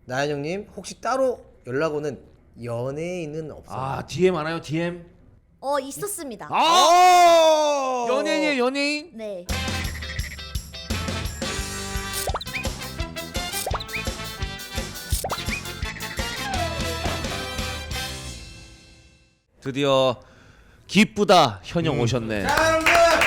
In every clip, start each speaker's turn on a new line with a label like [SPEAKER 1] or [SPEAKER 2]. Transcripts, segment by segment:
[SPEAKER 1] 나연형님 혹시 따로 연락 오는 연예인은 없어요?
[SPEAKER 2] 아 DM 많아요 DM?
[SPEAKER 3] 있었습니다.
[SPEAKER 2] 아 연예인이에요 연예인?
[SPEAKER 3] 네.
[SPEAKER 2] 드디어 기쁘다 현영 오셨네.
[SPEAKER 1] 자,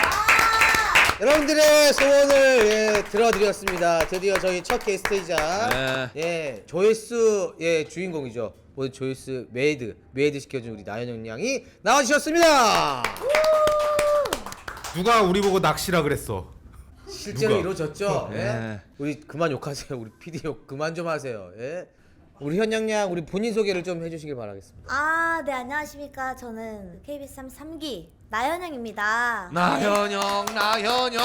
[SPEAKER 1] 여러분들의 소원을 들어드렸습니다. 드디어 저희 첫 게스트이자 조회수 주인공이죠. 오늘 조회수 메이드 시켜준 우리 나연형 양이 나와주셨습니다.
[SPEAKER 4] 누가 우리 보고 낚시라 그랬어?
[SPEAKER 1] 실제로
[SPEAKER 4] 누가?
[SPEAKER 1] 이루어졌죠.
[SPEAKER 2] 네.
[SPEAKER 1] 우리 그만 욕하세요. 우리 PD 욕 그만 좀 하세요. 우리 현영 양 우리 본인 소개를 좀 해주시길 바라겠습니다.
[SPEAKER 3] 네, 안녕하십니까. 저는 KBS 3기 나연영입니다.
[SPEAKER 2] 나현영 나현영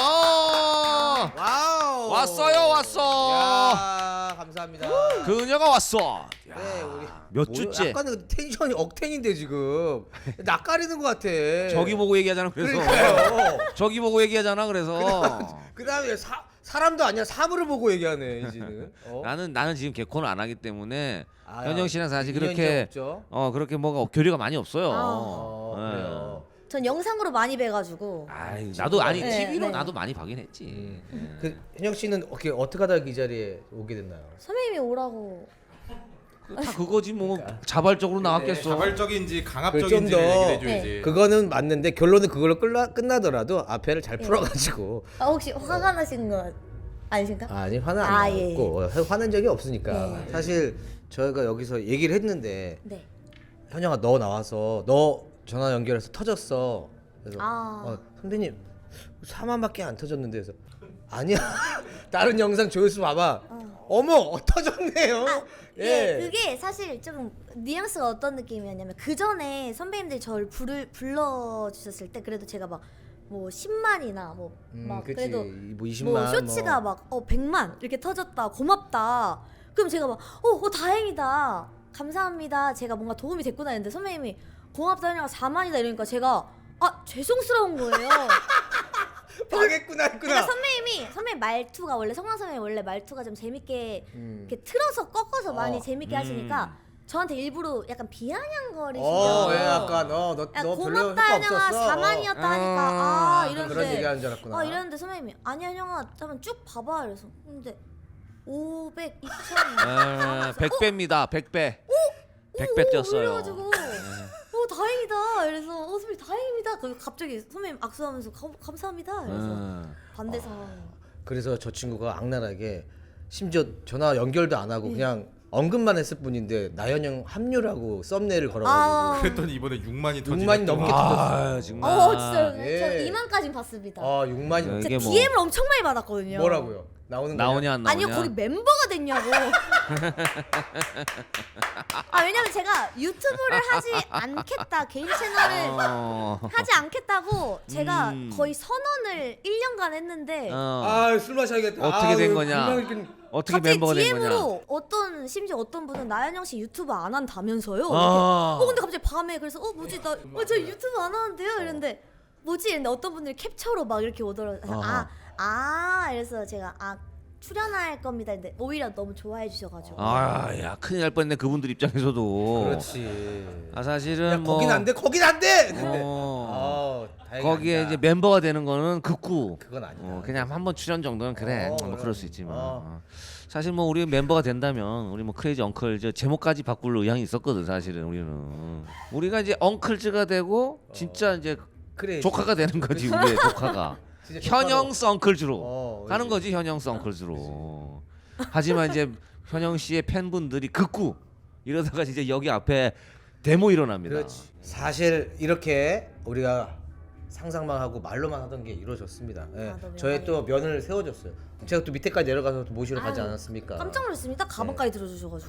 [SPEAKER 1] 와우.
[SPEAKER 2] 왔어.
[SPEAKER 1] 야, 감사합니다.
[SPEAKER 2] 그녀가 왔어.
[SPEAKER 1] 네, 우리
[SPEAKER 2] 몇 주째?
[SPEAKER 1] 약간은 텐션이 억텐인데 지금 낚아리는 것 같아.
[SPEAKER 2] 저기 보고 얘기하잖아 그래서.
[SPEAKER 1] 그러니까요.
[SPEAKER 2] 저기 보고 얘기하잖아 그래서.
[SPEAKER 1] 그다음에 사람도 아니야 사물을 보고 얘기하네 이제는.
[SPEAKER 2] 나는 지금 개콘을 안 하기 때문에
[SPEAKER 1] 아,
[SPEAKER 2] 현영 씨랑 사실
[SPEAKER 1] 인연이
[SPEAKER 2] 그렇게
[SPEAKER 1] 없죠?
[SPEAKER 2] 그렇게 뭐가 교류가 많이 없어요.
[SPEAKER 1] 그래요.
[SPEAKER 3] 전 영상으로 많이 뵈가지고.
[SPEAKER 2] 아이 나도 아니
[SPEAKER 3] 네,
[SPEAKER 2] TV로
[SPEAKER 3] 네.
[SPEAKER 2] 나도 많이 보긴 했지.
[SPEAKER 1] 그 현영 씨는 어떻게 하다 이 자리에 오게 됐나요?
[SPEAKER 3] 선배님이 오라고.
[SPEAKER 2] 다 그거지 뭐 자발적으로 나왔겠어.
[SPEAKER 4] 자발적인지
[SPEAKER 1] 좀
[SPEAKER 4] 강압적인지
[SPEAKER 1] 더-
[SPEAKER 4] 얘기를 해줘야지.
[SPEAKER 1] 그거는 맞는데 결론은 그걸로 끝나더라도 앞에를 잘 풀어가지고
[SPEAKER 3] 혹시 화가 나신 거 아니신가?
[SPEAKER 1] 아니 화는 안
[SPEAKER 3] 예.
[SPEAKER 1] 났고 화낸 적이 없으니까
[SPEAKER 3] 네.
[SPEAKER 1] 사실 저희가 여기서 얘기를 했는데
[SPEAKER 3] 네.
[SPEAKER 1] 현영아 너 나와서 너 전화 연결해서 터졌어. 그래서 선배님 4만밖에 안 터졌는데 그래서 아니야 다른 영상 조회수 봐봐. 어머 터졌네요.
[SPEAKER 3] 그게 사실 조금 뉘앙스가 어떤 느낌이었냐면 그 전에 선배님들이 저를 불러주셨을 때 그래도 제가 막 뭐 10만이나 막
[SPEAKER 1] 그치.
[SPEAKER 3] 그래도
[SPEAKER 1] 뭐 20만
[SPEAKER 3] 뭐 쇼츠가 막 100만 이렇게 터졌다 고맙다 그럼 제가 막 다행이다 감사합니다 제가 뭔가 도움이 됐구나 했는데 선배님이 고맙다 하니까 4만이다 이러니까 제가 죄송스러운 거예요.
[SPEAKER 1] 망했구나
[SPEAKER 3] 그러니까 선배님 말투가 원래 성광 선배님 원래 말투가 좀 재밌게 이렇게 틀어서 꺾어서 많이 재밌게 하시니까 저한테 일부러 약간 비아냥거리시더라고요.
[SPEAKER 1] 약간 너 별로
[SPEAKER 3] 고맙다
[SPEAKER 1] 효과
[SPEAKER 3] 현영아
[SPEAKER 1] 없었어.
[SPEAKER 3] 4만이었다 하니까
[SPEAKER 1] 그런
[SPEAKER 3] 이러는데
[SPEAKER 1] 얘기하는 줄 알았구나.
[SPEAKER 3] 이러는데 선배님이 아니야 현영아 한번 쭉 봐봐 이래서 근데 500, 2000
[SPEAKER 2] 100배입니다. 100배. 100배 뛰었어요.
[SPEAKER 3] 그래가지고 다행이다 이래서 선배님 다행입니다 그리고 갑자기 선배님 악수하면서 감사합니다 이래서 반대 상황.
[SPEAKER 1] 그래서 저 친구가 악랄하게 심지어 전화 연결도 안 하고 그냥 언급만 했을 뿐인데 나연형 합류라고 썸네일을 걸어가지고
[SPEAKER 4] 그랬더니 이번에 6만이
[SPEAKER 1] 6만이 넘게
[SPEAKER 2] 아,
[SPEAKER 1] 터졌어.
[SPEAKER 2] 정말.
[SPEAKER 3] 진짜
[SPEAKER 1] 예.
[SPEAKER 3] 저 2만까지 봤습니다.
[SPEAKER 1] 6만이
[SPEAKER 2] 이게
[SPEAKER 3] 제가
[SPEAKER 2] 뭐-
[SPEAKER 3] DM을 엄청 많이 받았거든요.
[SPEAKER 1] 뭐라고요? 나오는 거냐?
[SPEAKER 2] 나오냐 안 나오냐?
[SPEAKER 3] 아니요 거기 멤버가 됐냐고. 왜냐면 제가 유튜브를 하지 않겠다 개인 채널을 하지 않겠다고 제가 거의 선언을 1년간 했는데
[SPEAKER 1] 술 마셔야겠다.
[SPEAKER 2] 어떻게 된 거냐?
[SPEAKER 1] 분명 이렇게
[SPEAKER 2] 어떻게
[SPEAKER 3] 갑자기
[SPEAKER 2] 멤버가 된 거냐?
[SPEAKER 3] DM으로 심지어 어떤 분은 나연영 씨 유튜브 안 한다면서요?
[SPEAKER 2] 아.
[SPEAKER 3] 근데 갑자기 밤에 그래서 뭐지 저 유튜브 안 하는데요? 이랬는데 뭐지? 이랬는데 어떤 분들이 캡처로 막 이렇게 오더라고요. 그래서 제가 출연할 겁니다. 근데 오히려 너무 좋아해 주셔가지고.
[SPEAKER 2] 야 큰일 날 뻔했네 그분들 입장에서도.
[SPEAKER 1] 그렇지.
[SPEAKER 2] 사실은
[SPEAKER 1] 야,
[SPEAKER 2] 뭐
[SPEAKER 1] 거긴 안 돼. 거긴 안 돼. 근데 다행히
[SPEAKER 2] 거기에
[SPEAKER 1] 아니다.
[SPEAKER 2] 이제 멤버가 되는 거는 극구.
[SPEAKER 1] 그건 아니다.
[SPEAKER 2] 그냥 한 번 출연 정도는 그래. 뭐
[SPEAKER 1] 그럼.
[SPEAKER 2] 그럴 수 있지만. 사실 뭐 우리 멤버가 된다면 우리 뭐 크레이지 엉클 제목까지 바꿀 의향이 있었거든 사실은 우리는. 우리가 이제 엉클즈가 되고 진짜 이제
[SPEAKER 1] 그래.
[SPEAKER 2] 조카가 되는 거지 우리의 조카가.
[SPEAKER 1] 진짜 조카로.
[SPEAKER 2] 현영 썬클즈로 가는
[SPEAKER 1] 그렇지.
[SPEAKER 2] 거지 현영 썬클즈로. 하지만 이제 현영 씨의 팬분들이 극구 이러다가 이제 여기 앞에 데모 일어납니다.
[SPEAKER 1] 그렇지. 사실 이렇게 우리가 상상만 하고 말로만 하던 게 이루어졌습니다.
[SPEAKER 3] 너무
[SPEAKER 1] 저의 또
[SPEAKER 3] 영광이에요.
[SPEAKER 1] 면을 세워줬어요. 제가 또 밑에까지 내려가서 또 모시러 가지 않았습니까?
[SPEAKER 3] 깜짝 놀랐습니다. 가방까지 들어주셔가지고.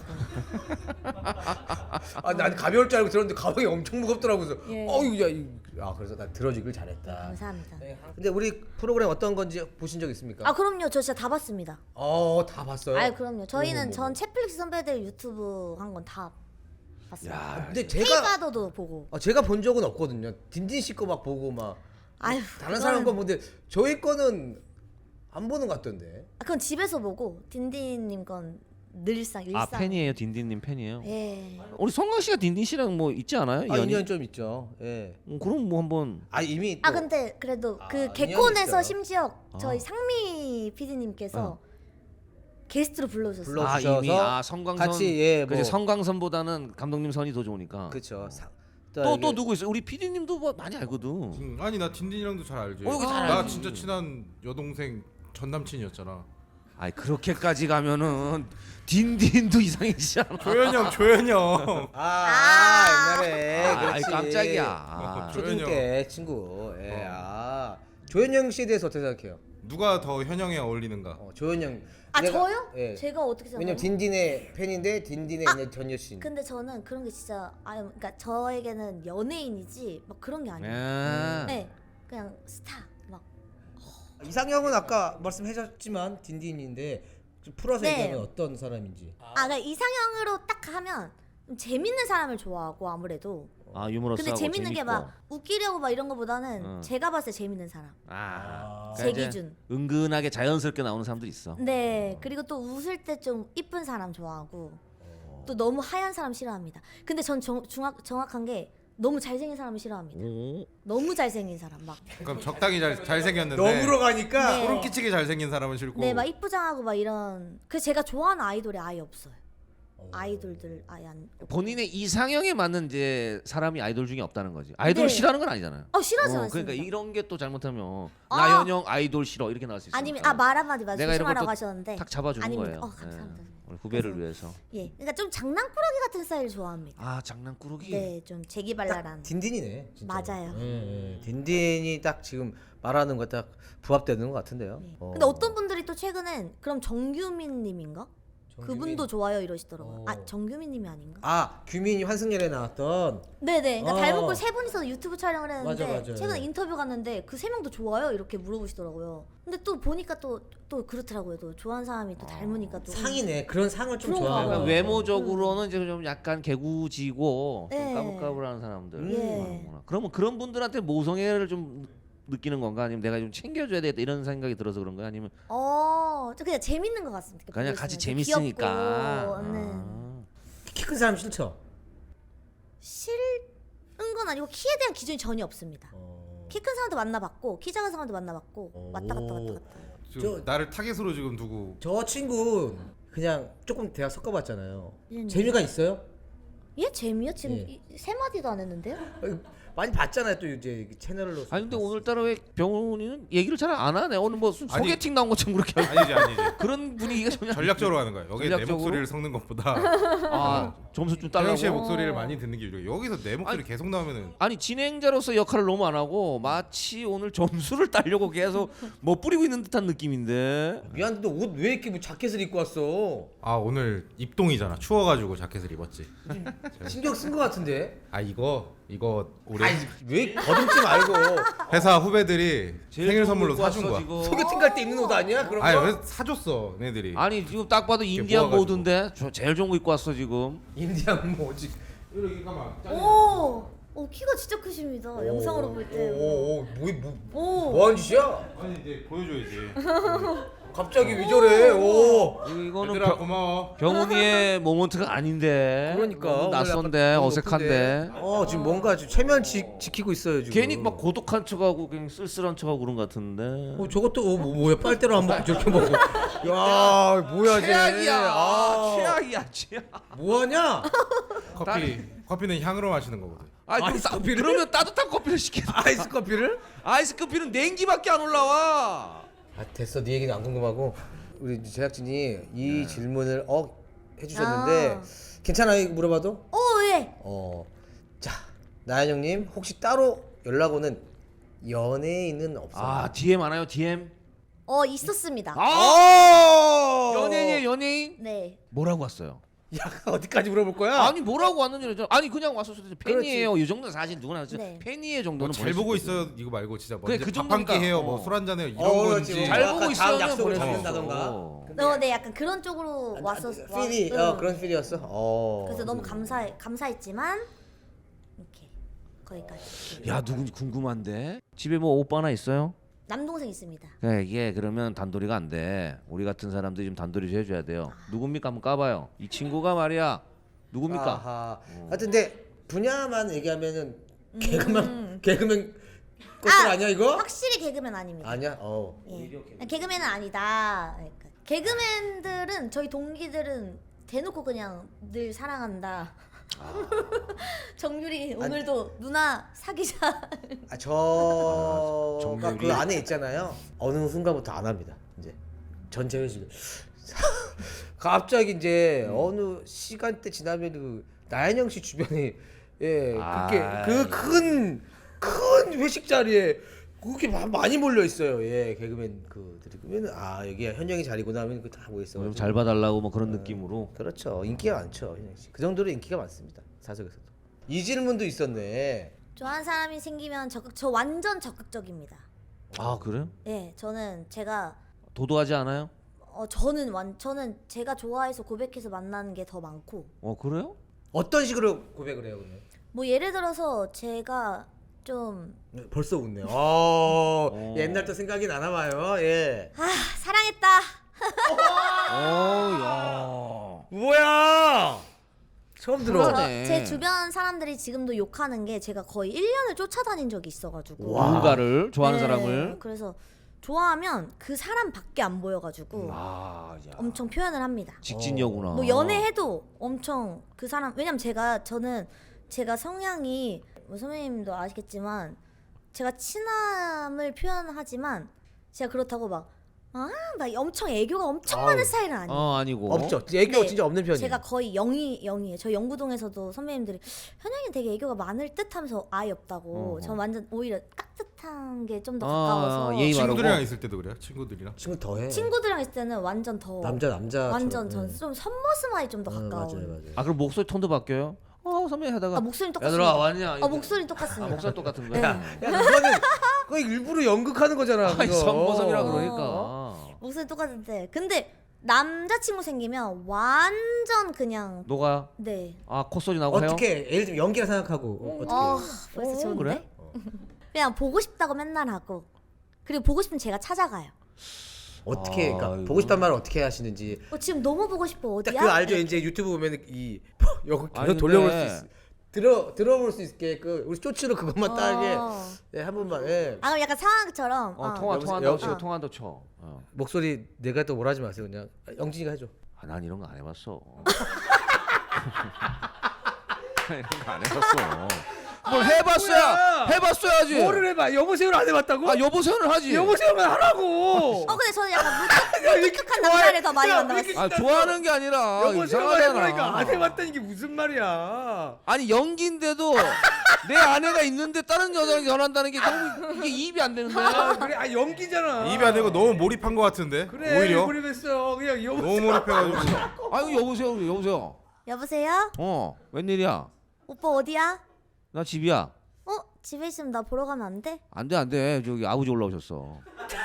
[SPEAKER 1] 난 가벼울 줄 알고 들었는데 가방이 엄청 무겁더라고. 그래서
[SPEAKER 3] 예.
[SPEAKER 1] 그래서 나 들어주길 잘했다.
[SPEAKER 3] 감사합니다.
[SPEAKER 1] 근데 우리 프로그램 어떤 건지 보신 적 있습니까?
[SPEAKER 3] 그럼요. 저 진짜 다 봤습니다.
[SPEAKER 1] 다 봤어요.
[SPEAKER 3] 그럼요. 저희는 전 채플릭스 선배들 유튜브 한 건 다 봤어요.
[SPEAKER 1] 근데
[SPEAKER 3] K가더도 보고.
[SPEAKER 1] 제가 본 적은 없거든요. 딘딘 씨 거 막 보고 막 다른 사람 거 보는데 저희 거는 안 보는 것 같던데.
[SPEAKER 3] 그건 집에서 보고 딘딘님 건 늘상 일상.
[SPEAKER 2] 아 팬이에요, 딘딘님 팬이에요.
[SPEAKER 3] 예.
[SPEAKER 2] 우리 성광 씨가 딘딘 씨랑 뭐 있지 않아요?
[SPEAKER 1] 아
[SPEAKER 2] 연이?
[SPEAKER 1] 인연 좀 있죠. 예.
[SPEAKER 2] 그럼 뭐 한번.
[SPEAKER 1] 아 이미
[SPEAKER 3] 아
[SPEAKER 1] 또-
[SPEAKER 3] 근데 그래도
[SPEAKER 1] 아,
[SPEAKER 3] 그
[SPEAKER 1] 인연이
[SPEAKER 3] 개콘에서
[SPEAKER 1] 있어요.
[SPEAKER 3] 심지어
[SPEAKER 2] 아.
[SPEAKER 3] 저희 상미 PD님께서 게스트로 불러주셨어요.
[SPEAKER 1] 불러-
[SPEAKER 2] 아
[SPEAKER 1] 주셔서
[SPEAKER 2] 이미 성광선
[SPEAKER 1] 같이 예
[SPEAKER 2] 그치,
[SPEAKER 1] 뭐
[SPEAKER 2] 성광선보다는 감독님 선이 더 좋으니까.
[SPEAKER 1] 그렇죠.
[SPEAKER 2] 또 누구 있어? 우리 PD님도 뭐 많이 알거든.
[SPEAKER 4] 아니 나 딘딘이랑도 잘 알지.
[SPEAKER 2] 여기 잘
[SPEAKER 4] 나
[SPEAKER 2] 알지.
[SPEAKER 4] 진짜 친한 여동생 전 남친이었잖아.
[SPEAKER 2] 아이 그렇게까지 가면은 딘딘도 이상해지잖아.
[SPEAKER 4] 조현이 형.
[SPEAKER 1] 옛날에
[SPEAKER 2] 아이
[SPEAKER 1] 그렇지.
[SPEAKER 2] 깜짝이야. 아.
[SPEAKER 1] 초등 때 친구. 예. 아 조현영 씨에 대해서 어떻게 생각해요?
[SPEAKER 4] 누가 더 현영에 어울리는가?
[SPEAKER 1] 조현영.
[SPEAKER 3] 아
[SPEAKER 1] 내가-
[SPEAKER 3] 저요?
[SPEAKER 1] 예.
[SPEAKER 3] 제가 어떻게 생각해요?
[SPEAKER 1] 왜냐면 딘딘의 팬인데 딘딘의 이제 전 여친.
[SPEAKER 3] 근데 저는 그런 게 진짜 그러니까 저에게는 연예인이지 막 그런 게 아니에요.
[SPEAKER 2] 예.
[SPEAKER 3] 네, 그냥 스타 막.
[SPEAKER 1] 이상형은 아까 말씀하셨지만 딘딘인데 좀 풀어서
[SPEAKER 3] 네.
[SPEAKER 1] 얘기하면 어떤 사람인지.
[SPEAKER 3] 그러니까 이상형으로 딱 하면 좀 재밌는 사람을 좋아하고 아무래도.
[SPEAKER 2] 아 유머러스하고
[SPEAKER 3] 근데 재밌는 게
[SPEAKER 2] 재밌고.
[SPEAKER 3] 막 웃기려고 막 이런 거보다는 제가 봤을 때 재밌는 사람.
[SPEAKER 2] 그러니까
[SPEAKER 3] 제
[SPEAKER 2] 이제
[SPEAKER 3] 기준.
[SPEAKER 2] 은근하게 자연스럽게 나오는 사람도 있어.
[SPEAKER 3] 네, 그리고 또 웃을 때 좀 이쁜 사람 좋아하고 또 너무 하얀 사람 싫어합니다. 근데 전 정확한 게 너무 잘생긴 사람을 싫어합니다.
[SPEAKER 2] 오.
[SPEAKER 3] 너무 잘생긴 사람 막.
[SPEAKER 4] 그럼 적당히 잘생겼는데
[SPEAKER 1] 너무로 가니까
[SPEAKER 3] 네.
[SPEAKER 4] 소름 끼치게 잘생긴 사람은 싫고.
[SPEAKER 3] 네, 막 이쁘장하고 막 이런. 그 제가 좋아하는 아이돌이 아예 없어요. 아이돌들 아예 안.
[SPEAKER 2] 본인의 이상형에 맞는 이제 사람이 아이돌 중에 없다는 거지. 아이돌을
[SPEAKER 3] 네.
[SPEAKER 2] 싫어하는 건 아니잖아요.
[SPEAKER 3] 싫어하지 않습니다.
[SPEAKER 2] 그러니까 이런 게 또 잘못하면
[SPEAKER 3] 아.
[SPEAKER 2] 나현영 아이돌 싫어 이렇게 나올 수 있어.
[SPEAKER 3] 아니면 말 한마디 말
[SPEAKER 2] 내가 이런
[SPEAKER 3] 조심하라고
[SPEAKER 2] 걸
[SPEAKER 3] 하셨는데.
[SPEAKER 2] 탁 잡아주는
[SPEAKER 3] 아닙니다.
[SPEAKER 2] 거예요.
[SPEAKER 3] 감사합니다.
[SPEAKER 2] 예. 우리 후배를 위해서.
[SPEAKER 3] 예, 그러니까 좀 장난꾸러기 같은 스타일 좋아합니다.
[SPEAKER 2] 아 장난꾸러기.
[SPEAKER 3] 네, 좀 재기발랄한.
[SPEAKER 1] 딘딘이네. 진짜.
[SPEAKER 3] 맞아요.
[SPEAKER 1] 딘딘이 딱 지금 말하는 거 딱 부합되는 것 같은데요.
[SPEAKER 3] 네. 근데 어떤 분들이 또 최근엔 그럼 정규민님인가? 그분도 좋아요 이러시더라고요. 정규민님이 아닌가?
[SPEAKER 1] 규민이 환승연에 나왔던.
[SPEAKER 3] 네네. 그러니까
[SPEAKER 1] 어.
[SPEAKER 3] 닮은 꼴 세 분이서 유튜브 촬영을 했는데
[SPEAKER 1] 맞아.
[SPEAKER 3] 최근에 인터뷰 갔는데 그 세 명도 좋아요 이렇게 물어보시더라고요. 근데 또 보니까 또 그렇더라고요. 또 좋아하는 사람이 또 닮으니까 또
[SPEAKER 1] 상이네. 그런 상을 좀
[SPEAKER 3] 그런가
[SPEAKER 1] 좋아해요.
[SPEAKER 3] 봐요.
[SPEAKER 2] 그러니까 외모적으로는 이제 좀 약간 개구지고
[SPEAKER 3] 네.
[SPEAKER 2] 좀 까불까불한 사람들.
[SPEAKER 3] 예.
[SPEAKER 2] 그러면 그런 분들한테 모성애를 좀 느끼는 건가? 아니면 내가 좀 챙겨줘야 되겠다 이런 생각이 들어서 그런 거야? 아니면
[SPEAKER 3] 저 그냥 재밌는 것 같습니다.
[SPEAKER 2] 그냥
[SPEAKER 3] 보고
[SPEAKER 2] 같이
[SPEAKER 3] 있으면.
[SPEAKER 2] 재밌으니까.
[SPEAKER 3] 귀엽고, 네.
[SPEAKER 2] 아.
[SPEAKER 1] 키 큰 사람 싫죠?
[SPEAKER 3] 싫은 건 아니고 키에 대한 기준이 전혀 없습니다. 키 큰 사람도 만나봤고 키 작은 사람도 만나봤고 왔다 갔다.
[SPEAKER 4] 지금 나를 타겟으로 지금 두고.
[SPEAKER 1] 저 친구 그냥 조금 대화 섞어봤잖아요.
[SPEAKER 3] 네.
[SPEAKER 1] 재미가 있어요?
[SPEAKER 3] 얘 재미요? 지금
[SPEAKER 1] 예.
[SPEAKER 3] 세 마디도 안 했는데요?
[SPEAKER 1] 많이 봤잖아요. 또 이제 채널로.
[SPEAKER 2] 아니 근데 오늘따라 왜 병훈이는 얘기를 잘 안 하네. 오늘 뭐
[SPEAKER 4] 아니.
[SPEAKER 2] 소개팅 나온 것처럼 그렇게
[SPEAKER 4] 아니지.
[SPEAKER 2] 그런 분위기가 전혀
[SPEAKER 4] 전략적으로 하는 거야. 여기 내
[SPEAKER 2] 전략적으로?
[SPEAKER 4] 목소리를 섞는 것보다
[SPEAKER 2] 아 점수 좀
[SPEAKER 4] 태영
[SPEAKER 2] 달라고.
[SPEAKER 4] 씨의 목소리를 많이 듣는 게 유리해. 여기서 내 목소리 계속 나오면은
[SPEAKER 2] 아니 진행자로서 역할을 너무 안 하고 마치 오늘 점수를 따려고 계속 뭐 뿌리고 있는 듯한 느낌인데.
[SPEAKER 1] 미안한데 너 옷 왜 이렇게 뭐 자켓을 입고 왔어?
[SPEAKER 4] 오늘 입동이잖아. 추워가지고 자켓을 입었지.
[SPEAKER 1] 신경 쓴 것 같은데?
[SPEAKER 4] 이거 올해
[SPEAKER 1] 왜 거듭지 말고.
[SPEAKER 4] 회사 후배들이
[SPEAKER 2] 제일
[SPEAKER 4] 생일
[SPEAKER 2] 좋은
[SPEAKER 4] 선물로
[SPEAKER 2] 거
[SPEAKER 4] 사준
[SPEAKER 2] 입고
[SPEAKER 4] 거야.
[SPEAKER 2] 왔어, 지금.
[SPEAKER 1] 소개팅 갈 때 입는 옷 아니야? 그런 거?
[SPEAKER 4] 아니 왜 사줬어, 얘들이.
[SPEAKER 2] 아니 지금 딱 봐도 인디안
[SPEAKER 4] 모아가지고.
[SPEAKER 2] 모드인데 제일 좋은 거 입고 왔어 지금.
[SPEAKER 1] 인디안 뭐지?
[SPEAKER 4] 이렇게 가만.
[SPEAKER 3] 오, 키가 진짜 크십니다. 영상으로 볼 때.
[SPEAKER 1] 뭐 하는 짓이야?
[SPEAKER 4] 아니 이제 보여줘야지.
[SPEAKER 1] 갑자기 왜 저래? 오.
[SPEAKER 2] 이거는
[SPEAKER 4] 얘들아 고마워.
[SPEAKER 2] 병훈이의 모먼트가 아닌데.
[SPEAKER 1] 그러니까
[SPEAKER 2] 너무
[SPEAKER 1] 오늘
[SPEAKER 2] 낯선데
[SPEAKER 1] 약간
[SPEAKER 2] 어색한데.
[SPEAKER 1] 높은데. 지금 뭔가 지금 최면 지키고 있어요 지금.
[SPEAKER 2] 괜히 막 고독한 척하고 그냥 쓸쓸한 척하고 그런 것 같은데.
[SPEAKER 1] 저것도 뭐야 빨대로 안 먹고 저렇게 먹고. 야 뭐야 쟤?
[SPEAKER 2] 최악이야 최악.
[SPEAKER 1] 뭐하냐?
[SPEAKER 4] 커피는 향으로 마시는 거거든.
[SPEAKER 1] 아이스 커피를?
[SPEAKER 2] 그러면 따뜻한 커피를 시켜.
[SPEAKER 1] 아이스 커피를?
[SPEAKER 2] 아이스 커피는 냉기밖에 안 올라와.
[SPEAKER 1] 됐어 네 얘기는 안 궁금하고 우리 제작진이 이 질문을 해주셨는데 괜찮아요 물어봐도?
[SPEAKER 3] 예.
[SPEAKER 1] 자 나연형님 혹시 따로 연락 오는 연예인은 없어요?
[SPEAKER 2] DM 많아요 DM.
[SPEAKER 3] 있었습니다.
[SPEAKER 2] 연예인이에요 연예인.
[SPEAKER 3] 네.
[SPEAKER 2] 뭐라고 왔어요?
[SPEAKER 1] 야 어디까지 물어볼 거야?
[SPEAKER 2] 아니 뭐라고 왔는지 아니 그냥 왔었을 때 팬이에요. 이 정도는 사실 누구나 하죠.
[SPEAKER 3] 네.
[SPEAKER 2] 팬이에요 정도는
[SPEAKER 4] 잘
[SPEAKER 2] 보낼 수
[SPEAKER 4] 보고
[SPEAKER 2] 있거든.
[SPEAKER 4] 있어요. 이거 말고 진짜
[SPEAKER 2] 그래,
[SPEAKER 4] 먼저
[SPEAKER 2] 그
[SPEAKER 4] 밥 한 끼
[SPEAKER 2] 정도니까.
[SPEAKER 4] 해요. 뭐 술 한 잔 해요. 이런
[SPEAKER 1] 그렇지.
[SPEAKER 4] 건지.
[SPEAKER 2] 잘
[SPEAKER 1] 아까
[SPEAKER 2] 보고
[SPEAKER 1] 다음
[SPEAKER 2] 있어요.
[SPEAKER 1] 약속을
[SPEAKER 2] 보낼 수
[SPEAKER 1] 잡는다던가.
[SPEAKER 2] 있어.
[SPEAKER 3] 네, 약간 그런 쪽으로
[SPEAKER 1] 필이
[SPEAKER 3] 응.
[SPEAKER 1] 그런 필이었어?
[SPEAKER 3] 그래서 너무 감사했지만 이렇게 거기까지.
[SPEAKER 2] 야 누군지 궁금한데 집에 뭐 오빠 하나 있어요?
[SPEAKER 3] 남동생 있습니다.
[SPEAKER 2] 네, 이게 그러면 단돌이가 안 돼. 우리 같은 사람들이 좀 단돌이 좀 해줘야 돼요. 누굽니까? 한번 까봐요. 이 친구가 말이야. 누굽니까?
[SPEAKER 1] 아하. 하여튼 근데 분야만 얘기하면은 개그맨 꽃들 아니야 이거?
[SPEAKER 3] 확실히 개그맨 아닙니다.
[SPEAKER 1] 아니야?
[SPEAKER 3] 예. 개그맨은 아니다. 그러니까 개그맨들은 저희 동기들은 대놓고 그냥 늘 사랑한다. 정유리 오늘도 누나 사귀자.
[SPEAKER 1] 저가
[SPEAKER 2] 정유리.
[SPEAKER 1] 그 안에 있잖아요. 어느 순간부터 안 합니다. 이제 전 제외시고 갑자기 이제 어느 시간대 지나면 그 나연영 씨 주변에 그렇게 그 큰 회식 자리에 그렇게 많이 몰려 있어요. 개그맨 그들이 그러면 여기가 현영이 자리구나 하면 그 다 모여 있어.
[SPEAKER 2] 좀 잘 봐달라고 뭐 그런 느낌으로.
[SPEAKER 1] 그렇죠. 인기가 많죠, 현영 씨. 그 정도로 인기가 많습니다. 사석에서도. 이 질문도 있었네.
[SPEAKER 3] 좋아하는 사람이 생기면 저 완전 적극적입니다.
[SPEAKER 2] 아 그래요?
[SPEAKER 3] 예, 저는 제가
[SPEAKER 2] 도도하지 않아요?
[SPEAKER 3] 저는 제가 좋아해서 고백해서 만나는 게 더 많고.
[SPEAKER 2] 그래요?
[SPEAKER 1] 어떤 식으로 고백을 해요, 그러면?
[SPEAKER 3] 뭐 예를 들어서 제가 좀
[SPEAKER 1] 벌써 웃네요. 옛날 또 생각이 나나 봐요. 예.
[SPEAKER 3] 사랑했다.
[SPEAKER 2] 야.
[SPEAKER 1] 뭐야? 처음 들어.
[SPEAKER 2] 그러네.
[SPEAKER 3] 제 주변 사람들이 지금도 욕하는 게 제가 거의 1년을 쫓아다닌 적이 있어가지고.
[SPEAKER 2] 누군가를 좋아하는
[SPEAKER 3] 네,
[SPEAKER 2] 사람을.
[SPEAKER 3] 그래서 좋아하면 그 사람밖에 안 보여가지고
[SPEAKER 2] 야.
[SPEAKER 3] 엄청 표현을 합니다.
[SPEAKER 2] 직진녀구나.
[SPEAKER 3] 뭐 연애해도 엄청 그 사람, 왜냐면 제가 성향이 뭐 선배님도 아시겠지만 제가 친함을 표현하지만 제가 그렇다고 막 엄청 애교가 엄청 많은 스타일은 아니에요.
[SPEAKER 2] 아니고.
[SPEAKER 1] 없죠. 애교
[SPEAKER 3] 네,
[SPEAKER 1] 진짜 없는 편이에요.
[SPEAKER 3] 제가 거의 0이에요. 저 영구동에서도 선배님들이 현영이 되게 애교가 많을 듯하면서 아예 없다고. 전 완전 오히려 깍듯한 게 좀 더 가까워서.
[SPEAKER 2] 예의 바르고.
[SPEAKER 4] 친구들이랑 있을 때도 그래요? 친구들이랑?
[SPEAKER 1] 친구 더해.
[SPEAKER 3] 친구들이랑 있을 때는 완전 더
[SPEAKER 1] 남자
[SPEAKER 3] 완전 전 좀 선머스마이 좀 더 가까운.
[SPEAKER 1] 맞아요.
[SPEAKER 2] 아 그럼 목소리 톤도 바뀌어요? 선배 하다가.
[SPEAKER 3] 목소리
[SPEAKER 2] 얘들아
[SPEAKER 3] 똑같습니다.
[SPEAKER 2] 왔냐?
[SPEAKER 3] 목소리 똑같습니다.
[SPEAKER 2] 목소리 똑같은 거야?
[SPEAKER 3] 네.
[SPEAKER 1] 야, 그거는 그거 일부러 연극하는 거잖아.
[SPEAKER 2] 아니
[SPEAKER 1] 그거.
[SPEAKER 2] 선보섭이라 그러니까.
[SPEAKER 3] 목소리 똑같은데 근데 남자친구 생기면 완전 그냥
[SPEAKER 2] 너가
[SPEAKER 3] 네.
[SPEAKER 2] 콧소리 나고 해요?
[SPEAKER 1] 어떻게 예를 들면 연기라 생각하고 어떻게?
[SPEAKER 3] 벌써 좋은데?
[SPEAKER 2] 그래?
[SPEAKER 3] 그냥 보고 싶다고 맨날 하고 그리고 보고 싶으면 제가 찾아가요.
[SPEAKER 1] 어떻게 그러니까
[SPEAKER 2] 이거.
[SPEAKER 1] 보고 싶단 말을 어떻게 하시는지
[SPEAKER 3] 지금 너무 보고 싶어. 어디야?
[SPEAKER 1] 딱 그 알죠. 이제 유튜브 보면 이 여기
[SPEAKER 2] 아니,
[SPEAKER 1] 계속 돌려볼
[SPEAKER 2] 근데-
[SPEAKER 1] 수 있어. 들어볼 수 있게 그 우리 쇼츠로 그것만 따게 한 번만. 예.
[SPEAKER 3] 그럼 약간 상황처럼.
[SPEAKER 2] 통화한다고
[SPEAKER 1] 여보세요?
[SPEAKER 2] 치고 통화한다고 쳐.
[SPEAKER 1] 목소리 내가 또 뭐라 하지 마세요. 그냥 영진이가 해줘.
[SPEAKER 2] 난 이런 거 안 해봤어. 이런 거 안 해봤어. 뭘 해봤어야 해봤어야지.
[SPEAKER 1] 뭐를 해봐. 여보세요를 안 해봤다고?
[SPEAKER 2] 여보세요는 하지.
[SPEAKER 1] 여보세요만 하라고.
[SPEAKER 3] 근데 저는 약간 무뚝뚝한 남자를 더 많이 만나봤어요.
[SPEAKER 2] 좋아하는 게 아니라
[SPEAKER 1] 여보세요만 해보니까
[SPEAKER 2] 이상하잖아.
[SPEAKER 1] 안 해봤다는 게 무슨 말이야?
[SPEAKER 2] 아니 연기인데도 내 아내가 있는데 다른 여자랑 결혼한다는 게 너무 이게 입이 안 되는데.
[SPEAKER 1] 그래, 연기잖아.
[SPEAKER 4] 입이 안 되고 너무 몰입한 것 같은데?
[SPEAKER 1] 그래,
[SPEAKER 4] 오히려?
[SPEAKER 1] 몰입했어. 그냥
[SPEAKER 4] 너무 몰입해가지고
[SPEAKER 2] 아이고 여보세요.
[SPEAKER 3] 여보세요?
[SPEAKER 2] 웬일이야?
[SPEAKER 3] 오빠 어디야?
[SPEAKER 2] 나 집이야.
[SPEAKER 3] 집에 있으면 나 보러 가면 안 돼?
[SPEAKER 2] 안 돼. 저기 아버지 올라오셨어.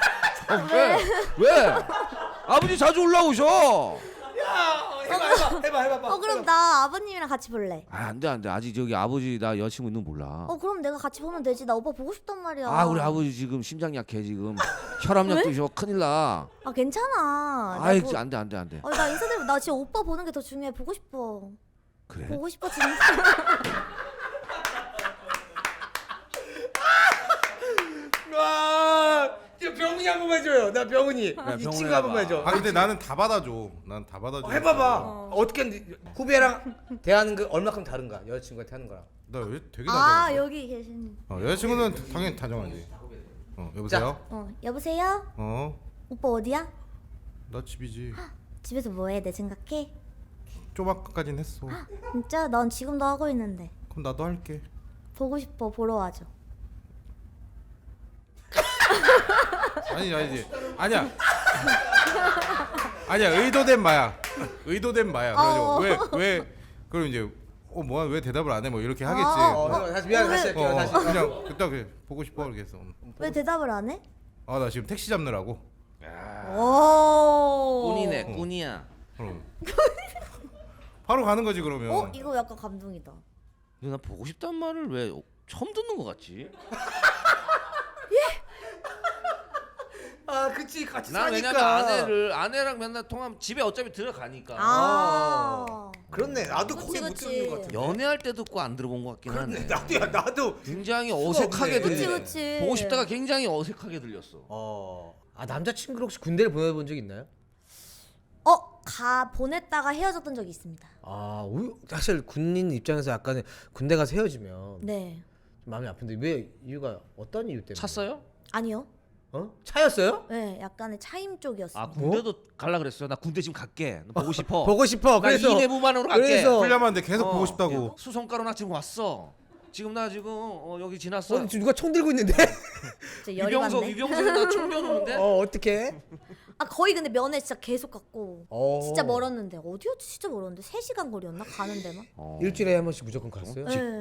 [SPEAKER 2] 왜? 아버지 자주 올라오셔.
[SPEAKER 1] 해봐.
[SPEAKER 3] 그럼 나 아버님이랑 같이 볼래.
[SPEAKER 2] 안 돼. 아직 저기 아버지 나 여자친구 있는 거 몰라.
[SPEAKER 3] 그럼 내가 같이 보면 되지. 나 오빠 보고 싶단 말이야.
[SPEAKER 2] 우리 아버지 지금 심장 약해 지금. 혈압약 드셔 큰일 나.
[SPEAKER 3] 괜찮아.
[SPEAKER 2] 아이
[SPEAKER 3] 나
[SPEAKER 2] 안 돼.
[SPEAKER 3] 나 인사드리고 나 지금 오빠 보는 게 더 중요해. 보고 싶어.
[SPEAKER 2] 그래?
[SPEAKER 3] 보고 싶어 진짜.
[SPEAKER 1] 와, 병훈이 한 번만 해줘요. 나 병훈이. 이
[SPEAKER 2] 병훈이
[SPEAKER 1] 친구 한 번만 해줘.
[SPEAKER 4] 근데 나는 다 받아줘. 난 다 받아줘.
[SPEAKER 1] 해봐봐. 어떻게 하는지. 후배랑 대하는 거 얼마큼 다른가? 여자친구한테 하는 거랑.
[SPEAKER 4] 나 되게 다정하지.
[SPEAKER 3] 여기 계신.
[SPEAKER 4] 여자친구는 당연히 다정하지. 여보세요?
[SPEAKER 3] 여보세요? 오빠 어디야?
[SPEAKER 4] 나 집이지.
[SPEAKER 3] 집에서 뭐해? 내 생각해?
[SPEAKER 4] 쪼박까진 했어.
[SPEAKER 3] 진짜? 난 지금도 하고 있는데.
[SPEAKER 4] 그럼 나도 할게.
[SPEAKER 3] 보고 싶어. 보러 와줘.
[SPEAKER 4] 아니지. 아니야. 의도된 마야. 그래가지고 왜 그럼 이제 뭐야 왜 대답을 안 해? 뭐 이렇게 하겠지.
[SPEAKER 1] 다시 미안해. 다시 할게요. 다시.
[SPEAKER 4] 그냥 그딱 보고 싶어 이렇게 했어.
[SPEAKER 3] 왜 대답을 안 해?
[SPEAKER 4] 나 지금 택시 잡느라고.
[SPEAKER 3] 오.
[SPEAKER 2] 꾼이야.
[SPEAKER 4] 그럼. 바로 가는 거지 그러면.
[SPEAKER 3] 이거 약간 감동이다.
[SPEAKER 2] 근데 나 보고 싶단 말을 왜 처음 듣는 것 같지?
[SPEAKER 1] 아 그치 같이
[SPEAKER 2] 난 왜냐면 아내랑 맨날 통하면 집에 어차피 들어가니까.
[SPEAKER 3] 아.
[SPEAKER 1] 그렇네. 나도
[SPEAKER 3] 그치,
[SPEAKER 1] 거의 못
[SPEAKER 3] 그치.
[SPEAKER 1] 듣는 것 같은데.
[SPEAKER 2] 연애할 때도 꼭 안 들어본 것 같긴
[SPEAKER 1] 그렇네.
[SPEAKER 2] 한데.
[SPEAKER 1] 나도.
[SPEAKER 2] 굉장히
[SPEAKER 1] 수가
[SPEAKER 2] 어색하게
[SPEAKER 1] 없네.
[SPEAKER 2] 들려.
[SPEAKER 3] 그치.
[SPEAKER 2] 보고 싶다가 굉장히 어색하게 들렸어.
[SPEAKER 1] 아 남자친구를 혹시 군대를 보내본 적 있나요?
[SPEAKER 3] 가 보냈다가 헤어졌던 적이 있습니다.
[SPEAKER 1] 사실 군인 입장에서 약간은 군대 가서 헤어지면
[SPEAKER 3] 네.
[SPEAKER 1] 좀 마음이 아픈데 왜 이유가 어떤 이유 때문에?
[SPEAKER 2] 찼어요?
[SPEAKER 3] 아니요.
[SPEAKER 1] 차였어요?
[SPEAKER 3] 네, 약간의 차임 쪽이었어요.
[SPEAKER 2] 아 군대도 갈라 그랬어요. 나 군대 지금 갈게. 너 보고 싶어.
[SPEAKER 1] 보고 싶어.
[SPEAKER 2] 나
[SPEAKER 1] 그래서
[SPEAKER 2] 이내부만으로 갈게.
[SPEAKER 1] 그래서
[SPEAKER 4] 훈련하는데 계속 보고 싶다고.
[SPEAKER 2] 수성가로 나 지금 왔어. 지금 나 지금 여기 지났어.
[SPEAKER 1] 지금 누가 총 들고 있는데?
[SPEAKER 3] 진짜 열이 받네.
[SPEAKER 2] 위병석 나총 겨누는데?
[SPEAKER 1] 어떻게?
[SPEAKER 3] 거의 근데 면회 진짜 계속 갔고 진짜 멀었는데 어디였지? 진짜 멀었는데 3시간 거리였나? 가는 데만?
[SPEAKER 1] 일주일에 한 번씩 무조건 갔어요?
[SPEAKER 3] 네.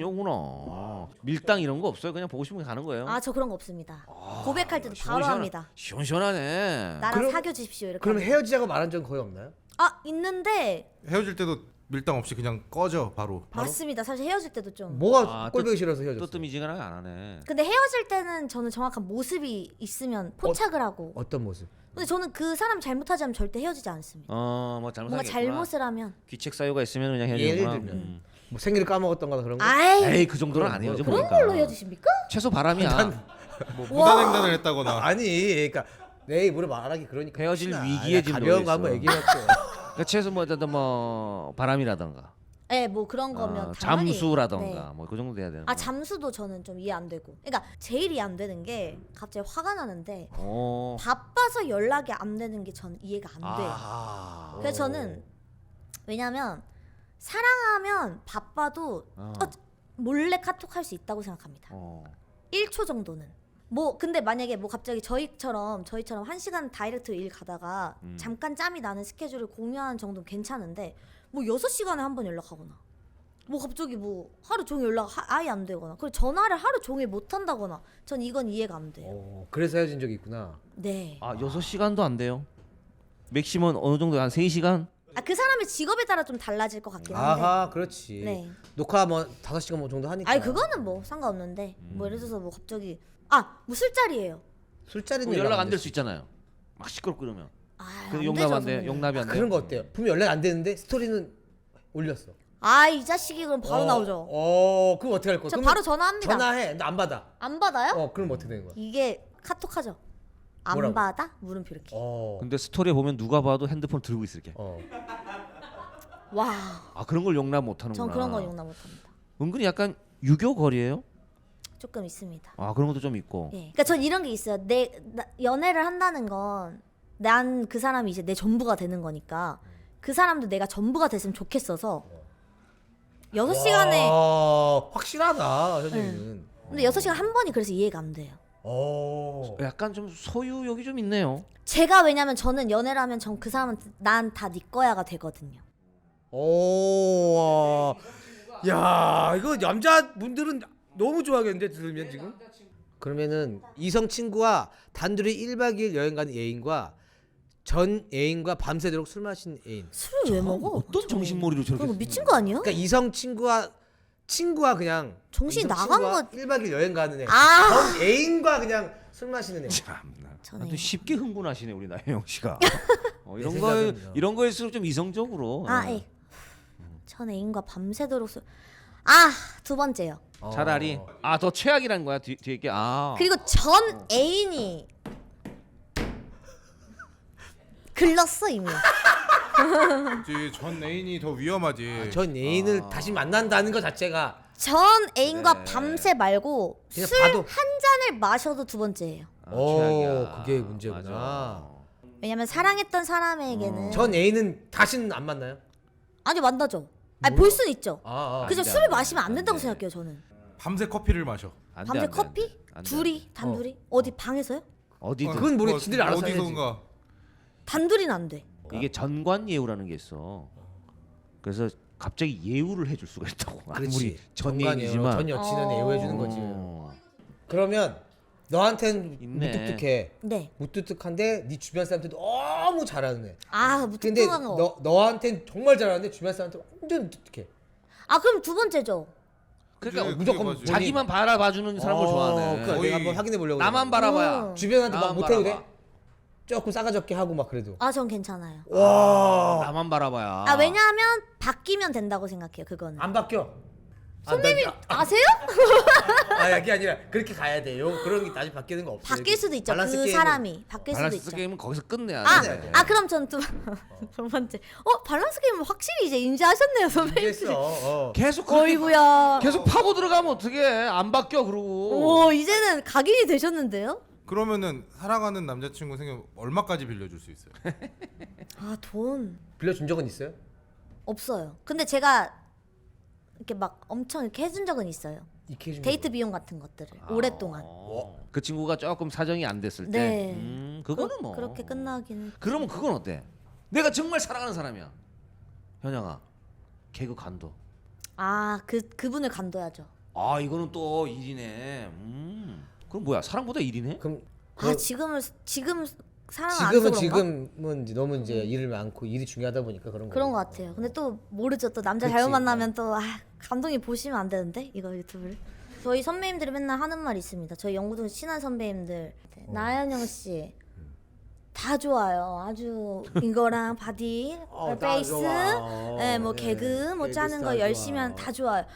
[SPEAKER 2] 직진이구나. 밀당 이런 거 없어요? 그냥 보고 싶으면 가는 거예요?
[SPEAKER 3] 저 그런 거 없습니다. 고백할 때도 바로 합니다.
[SPEAKER 2] 시원시원하네.
[SPEAKER 3] 나랑 사귀어 주십시오 이렇게.
[SPEAKER 1] 그럼
[SPEAKER 3] 하면.
[SPEAKER 1] 헤어지자고 말한 적은 거의 없나요?
[SPEAKER 3] 있는데
[SPEAKER 4] 헤어질 때도 밀당 없이 그냥 꺼져 바로.
[SPEAKER 3] 맞습니다. 사실 헤어질 때도 좀.
[SPEAKER 1] 뭐가 꼴보기 싫어서 헤어졌어?
[SPEAKER 2] 뜨뜨미지근하게 안 하네.
[SPEAKER 3] 근데 헤어질 때는 저는 정확한 모습이 있으면 포착을 하고.
[SPEAKER 1] 어떤 모습?
[SPEAKER 3] 근데 저는 그 사람 잘못하지 않으면 절대 헤어지지 않습니다.
[SPEAKER 2] 뭐
[SPEAKER 3] 뭔가
[SPEAKER 2] 잘못하겠구나.
[SPEAKER 3] 잘못을 하면.
[SPEAKER 2] 귀책 사유가 있으면 그냥
[SPEAKER 1] 예를
[SPEAKER 2] 헤어지구나.
[SPEAKER 1] 들면 뭐 생일을 까먹었던거나 그런 거?
[SPEAKER 3] 아이
[SPEAKER 2] 그 정도는 안 헤어져
[SPEAKER 3] 그런
[SPEAKER 2] 보니까.
[SPEAKER 3] 걸로 헤어지십니까?
[SPEAKER 2] 최소 바람이야.
[SPEAKER 4] 뭐 무단횡단을 했다거나.
[SPEAKER 1] 아니 그러니까 내 입으로 말하기 그러니까
[SPEAKER 2] 헤어질
[SPEAKER 1] 혹시나
[SPEAKER 2] 위기에 지금
[SPEAKER 1] 가벼운
[SPEAKER 2] 놓여
[SPEAKER 1] 거 한번
[SPEAKER 2] 있어.
[SPEAKER 1] 얘기해봤고
[SPEAKER 2] 그러니까 최소 뭐 바람이라던가.
[SPEAKER 3] 네, 뭐 그런 거면 당연히.
[SPEAKER 2] 잠수라던가
[SPEAKER 3] 네.
[SPEAKER 2] 뭐 그 정도 돼야 되는 거.
[SPEAKER 3] 잠수도 저는 좀 이해 안 되고. 그러니까 제일 이해 안 되는 게 갑자기 화가 나는데
[SPEAKER 2] 어.
[SPEAKER 3] 바빠서 연락이 안 되는 게 전 이해가 안 돼요.
[SPEAKER 2] 아.
[SPEAKER 3] 그래서 저는 왜냐면 사랑하면 바빠도 몰래 카톡 할 수 있다고 생각합니다. 1초 정도는. 뭐 근데 만약에 뭐 갑자기 저희처럼 1시간 다이렉트 일 가다가 잠깐 짬이 나는 스케줄을 공유하는 정도는 괜찮은데 뭐 6시간에 한 번 연락하거나 뭐 갑자기 뭐 하루 종일 연락 아예 안 되거나 그리고 전화를 하루 종일 못 한다거나 전 이건 이해가 안 돼요.
[SPEAKER 1] 그래서 헤어진 적이 있구나.
[SPEAKER 3] 네.
[SPEAKER 2] 6시간도 안 돼요. 맥시멈 어느 정도 한 3시간?
[SPEAKER 3] 그 사람의 직업에 따라 좀 달라질 것 같긴 한데.
[SPEAKER 1] 그렇지.
[SPEAKER 3] 네.
[SPEAKER 1] 녹화 뭐 5시간 뭐 정도 하니까.
[SPEAKER 3] 그거는 뭐 상관없는데 뭐 예를 들어서 뭐 갑자기 뭐 술자리예요.
[SPEAKER 1] 술자리는
[SPEAKER 2] 연락 안 될 수 있잖아요. 막 시끄럽고 그러면.
[SPEAKER 3] 안
[SPEAKER 2] 용납
[SPEAKER 3] 되죠,
[SPEAKER 2] 안 돼.
[SPEAKER 3] 선생님.
[SPEAKER 2] 용납이 안 돼.
[SPEAKER 1] 그런 거 어때요? 분명 연락 안 되는데 스토리는 올렸어.
[SPEAKER 3] 이 자식이 그럼 바로 나오죠.
[SPEAKER 1] 그럼 어떻게 할 거야?
[SPEAKER 3] 저
[SPEAKER 1] 그러면
[SPEAKER 3] 바로 전화합니다.
[SPEAKER 1] 전화해. 나 안 받아.
[SPEAKER 3] 안 받아요?
[SPEAKER 1] 그럼 어떻게 되는 거야?
[SPEAKER 3] 이게 카톡하죠. 안
[SPEAKER 1] 뭐라고?
[SPEAKER 3] 받아? 물음표 이렇게.
[SPEAKER 2] 근데 스토리에 보면 누가 봐도 핸드폰 들고 있을게.
[SPEAKER 3] 와.
[SPEAKER 2] 그런 걸 용납 못 하는구나.
[SPEAKER 3] 전 그런 거 용납 못합니다.
[SPEAKER 2] 은근히 약간 유교 거리예요?
[SPEAKER 3] 조금 있습니다.
[SPEAKER 2] 그런 것도 좀 있고.
[SPEAKER 3] 예. 그러니까 전 이런 게 있어요. 연애를 한다는 건 난 그 사람이 이제 내 전부가 되는 거니까 그 사람도 내가 전부가 됐으면 좋겠어서 6시간에
[SPEAKER 1] 확실하다 선생님은.
[SPEAKER 3] 근데 6시간 한 번이 그래서 이해가 안 돼요.
[SPEAKER 2] 약간 좀 소유욕이 좀 있네요.
[SPEAKER 3] 제가 왜냐면 저는 연애를 하면 전 그 사람은 난 다 네 거야가 되거든요.
[SPEAKER 1] 야 이거 남자분들은 너무 좋아하겠는데 들으면 지금? 그러면은 이성 친구와 단둘이 1박 2일 여행 가는 애인과 전 애인과 밤새도록 술 마신 애인.
[SPEAKER 3] 술을 왜 먹어?
[SPEAKER 2] 어떤 정신머리로 저렇게.
[SPEAKER 3] 그거 미친 거 아니야?
[SPEAKER 1] 그러니까 이성 친구와 그냥
[SPEAKER 3] 정신이
[SPEAKER 1] 이성
[SPEAKER 3] 나간
[SPEAKER 1] 친구와
[SPEAKER 3] 거-
[SPEAKER 1] 1박 2일 여행 가는 애.
[SPEAKER 3] 아.
[SPEAKER 1] 전 애인과 그냥 술 마시는 애.
[SPEAKER 2] 참나.
[SPEAKER 3] 저는
[SPEAKER 2] 아주 쉽게 흥분하시네 우리 나혜영 씨가. 이런
[SPEAKER 1] 내
[SPEAKER 2] 거
[SPEAKER 1] 생각은요.
[SPEAKER 2] 이런 거일수록 좀 이성적으로.
[SPEAKER 3] 예. 전 애인과 밤새도록 두 번째요.
[SPEAKER 2] 차라리 더 최악이라는 거야 뒤에 게.
[SPEAKER 3] 그리고 전 애인이 글렀어 이미.
[SPEAKER 4] 전 애인이 더 위험하지.
[SPEAKER 1] 전 애인을 다시 만난다는 것 자체가
[SPEAKER 3] 전 애인과 밤새 말고
[SPEAKER 1] 그냥
[SPEAKER 3] 술
[SPEAKER 1] 봐도-
[SPEAKER 3] 한 잔을 마셔도 두 번째예요.
[SPEAKER 2] 최악이야.
[SPEAKER 1] 그게 문제구나.
[SPEAKER 2] 맞아.
[SPEAKER 3] 왜냐면 사랑했던 사람에게는
[SPEAKER 1] 전 애인은 다시는 안 만나요?
[SPEAKER 3] 아니 만나죠. 볼 수는 있죠. 그죠?
[SPEAKER 2] 안 돼,
[SPEAKER 3] 술을
[SPEAKER 2] 안 돼,
[SPEAKER 3] 마시면 안
[SPEAKER 2] 안
[SPEAKER 3] 된다고
[SPEAKER 2] 돼.
[SPEAKER 3] 생각해요 저는.
[SPEAKER 4] 밤새 커피를 마셔.
[SPEAKER 2] 안 돼,
[SPEAKER 3] 밤새
[SPEAKER 2] 안 돼,
[SPEAKER 3] 커피?
[SPEAKER 2] 안 돼.
[SPEAKER 3] 둘이 단둘이? 어디 방에서요?
[SPEAKER 2] 어디든.
[SPEAKER 1] 그건 모르 지들이 알아서 해야지.
[SPEAKER 4] 어디선가.
[SPEAKER 3] 단둘이는 안 돼.
[SPEAKER 2] 이게 전관 예우라는 게 있어. 그래서 갑자기 예우를 해줄 수가 있다고. 아무리
[SPEAKER 1] 그렇지.
[SPEAKER 2] 전
[SPEAKER 1] 전관이에요.
[SPEAKER 2] 예인이지만.
[SPEAKER 1] 전 여친은 애호해 주는 거지. 그러면 너한텐
[SPEAKER 2] 있네.
[SPEAKER 1] 무뚝뚝해.
[SPEAKER 3] 네.
[SPEAKER 1] 무뚝뚝한데 네 주변 사람한테 너무 잘하는 애. 근데
[SPEAKER 3] 무뚝뚝한 거.
[SPEAKER 1] 너한텐 정말 잘하는데 주변 사람한테 완전 무뚝뚝해.
[SPEAKER 3] 그럼 두 번째죠.
[SPEAKER 2] 그러니까
[SPEAKER 4] 그게
[SPEAKER 1] 무조건
[SPEAKER 4] 맞지.
[SPEAKER 2] 자기만 바라봐주는 사람을 좋아하네.
[SPEAKER 1] 그러니까
[SPEAKER 4] 거의
[SPEAKER 1] 내가 한번 확인해 보려고.
[SPEAKER 2] 나만 바라봐야.
[SPEAKER 1] 주변한테 막
[SPEAKER 2] 나만
[SPEAKER 1] 못해도 돼?
[SPEAKER 2] 바라봐.
[SPEAKER 1] 조금 싸가지 없게 하고 막 그래도.
[SPEAKER 3] 아, 전 괜찮아요.
[SPEAKER 1] 와.
[SPEAKER 2] 나만 바라봐야.
[SPEAKER 3] 아, 왜냐하면 바뀌면 된다고 생각해요. 그거는.
[SPEAKER 1] 안 바뀌어.
[SPEAKER 3] 선배님 아세요?
[SPEAKER 1] 아, 이게 아니라 그렇게 가야 돼요. 그런 게 다시 바뀌는 거 없어요.
[SPEAKER 3] 바뀔 수도 있죠.
[SPEAKER 1] 밸런스
[SPEAKER 3] 그
[SPEAKER 1] 게임은-
[SPEAKER 3] 사람이 바뀔 수도
[SPEAKER 2] 밸런스
[SPEAKER 3] 있죠.
[SPEAKER 2] 게임은 거기서 끝내야
[SPEAKER 3] 아,
[SPEAKER 2] 돼.
[SPEAKER 3] 그럼 전 두 번째. 밸런스 게임은 확실히 이제 인지하셨네요, 선배님.
[SPEAKER 1] 이해했어.
[SPEAKER 2] 계속 그렇게
[SPEAKER 3] 어이구야.
[SPEAKER 2] 계속 파고 들어가면 어떻게 안 바뀌어 그러고.
[SPEAKER 3] 오, 이제는 각인이 되셨는데요?
[SPEAKER 4] 그러면은 사랑하는 남자친구 생기면 얼마까지 빌려줄 수 있어요?
[SPEAKER 3] 아, 돈
[SPEAKER 1] 빌려준 적은 있어요?
[SPEAKER 3] 없어요. 근데 제가 이렇게 막 엄청 이렇게 해준 적은 있어요.
[SPEAKER 1] 이렇게 해준
[SPEAKER 3] 데이트
[SPEAKER 1] 적은
[SPEAKER 3] 비용 같은 것들을 오랫동안.
[SPEAKER 2] 그 친구가 조금 사정이 안 됐을 때.
[SPEAKER 3] 네.
[SPEAKER 2] 그거는 뭐.
[SPEAKER 3] 그렇게 끝나기는.
[SPEAKER 2] 그러면 그건 어때? 내가 정말 사랑하는 사람이야. 현영아, 개그 간도.
[SPEAKER 3] 아, 그분을 간둬야죠.
[SPEAKER 2] 아 이거는 또 일이네. 그럼 뭐야? 사랑보다 일이네?
[SPEAKER 1] 그럼
[SPEAKER 3] 아, 지금 사랑 안 해서
[SPEAKER 1] 지금은
[SPEAKER 3] 그런가?
[SPEAKER 1] 이제 너무 이제 일을 많고 일이 중요하다 보니까 그런 거.
[SPEAKER 3] 그런 것 같아요. 근데 또 모르죠. 또 남자
[SPEAKER 1] 그치.
[SPEAKER 3] 잘못 만나면 또 감독님 보시면 안 되는데 이거 유튜브를. 저희 선배님들이 맨날 하는 말이 있습니다. 저희 영구동 친한 선배님들 나연영 씨. 다 좋아요. 아주 이거랑 바디,
[SPEAKER 1] 다
[SPEAKER 3] 베이스,
[SPEAKER 1] 좋아.
[SPEAKER 3] 네, 뭐
[SPEAKER 1] 네,
[SPEAKER 3] 개그, 뭐
[SPEAKER 1] 개그
[SPEAKER 3] 짜는 거
[SPEAKER 1] 스타일
[SPEAKER 3] 열심히
[SPEAKER 1] 좋아.
[SPEAKER 3] 하면 다 좋아요.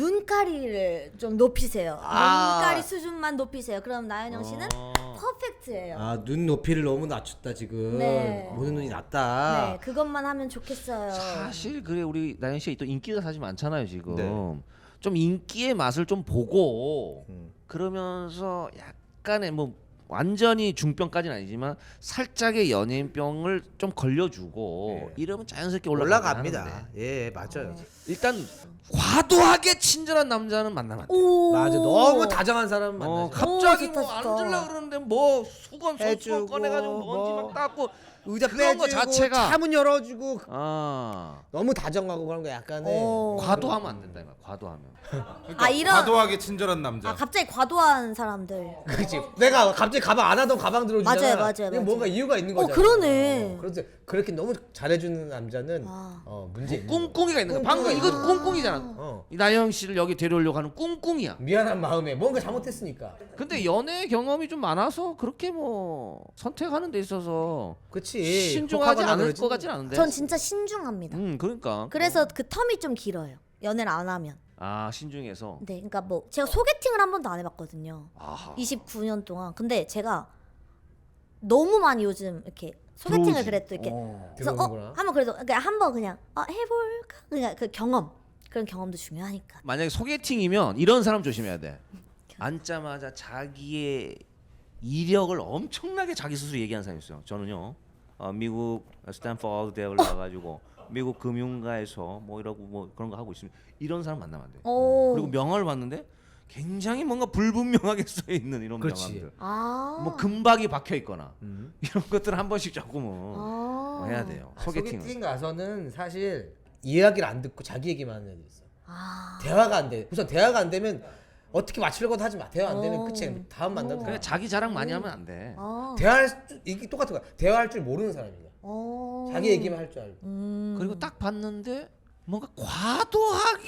[SPEAKER 3] 눈가리를 좀 높이세요. 눈가리 수준만 높이세요. 그럼 나연영 씨는 퍼펙트예요.
[SPEAKER 1] 아, 눈 높이를 너무 낮췄다 지금.
[SPEAKER 3] 네.
[SPEAKER 1] 보는 눈이 낮다.
[SPEAKER 3] 네, 그것만 하면 좋겠어요.
[SPEAKER 2] 사실 그래 우리 나연 씨가 또 인기가 사실 많잖아요 지금.
[SPEAKER 1] 네.
[SPEAKER 2] 좀 인기의 맛을 좀 보고
[SPEAKER 1] 음.
[SPEAKER 2] 그러면서 약간의 뭐 완전히 중병까지는 아니지만 살짝의 연예인병을 좀 걸려주고
[SPEAKER 1] 네.
[SPEAKER 2] 이러면 자연스럽게
[SPEAKER 1] 올라갑니다. 예, 맞아요.
[SPEAKER 2] 일단 과도하게 친절한 남자는 만나면 안 돼.
[SPEAKER 3] 오.
[SPEAKER 1] 맞아. 너무 다정한 사람 만나죠.
[SPEAKER 2] 갑자기
[SPEAKER 3] 좋다,
[SPEAKER 2] 뭐 안
[SPEAKER 3] 좋다.
[SPEAKER 2] 들려 그러는데 뭐 수건 손수건
[SPEAKER 1] 해주고,
[SPEAKER 2] 꺼내가지고 먼지
[SPEAKER 1] 뭐.
[SPEAKER 2] 막 닦고
[SPEAKER 1] 의자
[SPEAKER 2] 그런 거
[SPEAKER 1] 빼주고
[SPEAKER 2] 자체가
[SPEAKER 1] 차문 열어주고
[SPEAKER 2] 아
[SPEAKER 1] 너무 다정하고 그런 거 약간의
[SPEAKER 3] 오.
[SPEAKER 2] 과도하면 안 된다 이거 과도하면.
[SPEAKER 4] 그러니까
[SPEAKER 3] 아, 이런-
[SPEAKER 4] 과도하게 친절한 남자.
[SPEAKER 3] 아, 갑자기 과도한 사람들.
[SPEAKER 1] 그렇지. 내가 갑자기 가방 안 하던 가방 들어주잖아.
[SPEAKER 3] 맞아요, 맞아요,
[SPEAKER 1] 이게
[SPEAKER 3] 맞아요.
[SPEAKER 1] 뭔가 이유가 있는 거잖아.
[SPEAKER 3] 그러네.
[SPEAKER 1] 그런데 그렇게 너무 잘해주는 남자는
[SPEAKER 3] 아.
[SPEAKER 1] 문제 있는
[SPEAKER 2] 꿍꿍이가 있는 거야. 방금
[SPEAKER 1] 꿍꿍이가
[SPEAKER 2] 이거 꿍꿍이잖아.
[SPEAKER 1] 어.
[SPEAKER 2] 이 나영 씨를 여기 데려오려고 하는 꿍꿍이야.
[SPEAKER 1] 미안한 마음에 뭔가 잘못했으니까.
[SPEAKER 2] 근데 연애 경험이 좀 많아서 그렇게 뭐 선택하는 데 있어서
[SPEAKER 1] 그렇지.
[SPEAKER 2] 신중하지
[SPEAKER 1] 혹하거나
[SPEAKER 2] 않을
[SPEAKER 1] 그러지.
[SPEAKER 2] 것 같진 않은데.
[SPEAKER 3] 전 진짜 신중합니다.
[SPEAKER 2] 그러니까.
[SPEAKER 3] 그래서 그 텀이 좀 길어요. 연애를 안 하면.
[SPEAKER 2] 아 신중해서.
[SPEAKER 3] 네, 그러니까 뭐 제가 소개팅을 한 번도 안 해봤거든요.
[SPEAKER 2] 아하.
[SPEAKER 3] 29년 동안. 근데 제가 너무 많이 요즘 이렇게 소개팅을
[SPEAKER 2] 들어오지.
[SPEAKER 3] 그래도 이렇게 그래서
[SPEAKER 1] 들어오는구나.
[SPEAKER 3] 한번 그래도 그러니까 한번 그냥 해볼까 그냥 그 경험 그런 경험도 중요하니까.
[SPEAKER 2] 만약에 소개팅이면 이런 사람 조심해야 돼. 앉자마자 자기의 이력을 엄청나게 자기 스스로 얘기하는 사람이 있어요. 저는요. 미국 스탠퍼드 대학을 나가지고 미국 금융가에서 뭐 이러고 뭐 그런 거 하고 있습니다. 이런 사람 만나면 안 돼.
[SPEAKER 3] 오.
[SPEAKER 2] 그리고 명함을 봤는데 굉장히 뭔가 불분명하게 써 있는 이런
[SPEAKER 1] 그렇지.
[SPEAKER 2] 명함들.
[SPEAKER 3] 아.
[SPEAKER 2] 뭐 금박이 박혀 있거나 이런 것들 한 번씩 조금은
[SPEAKER 3] 아.
[SPEAKER 2] 해야 돼요.
[SPEAKER 1] 소개팅.
[SPEAKER 2] 소개팅은.
[SPEAKER 1] 가서는 사실 이야기를 안 듣고 자기 얘기만 하는 애들 있어.
[SPEAKER 3] 아.
[SPEAKER 1] 대화가 안 돼. 우선 대화가 안 되면 어떻게 맞추려고도 하지 마. 대화 안 되면 끝이야. 다음 만나도
[SPEAKER 2] 그러니까 자기 자랑 많이 하면 안 돼.
[SPEAKER 3] 아.
[SPEAKER 1] 이게 똑같은 거야. 대화할 줄 모르는 사람이야.
[SPEAKER 3] 어.
[SPEAKER 1] 자기 얘기만 할 줄 알고.
[SPEAKER 2] 그리고 딱 봤는데 뭔가 과도하게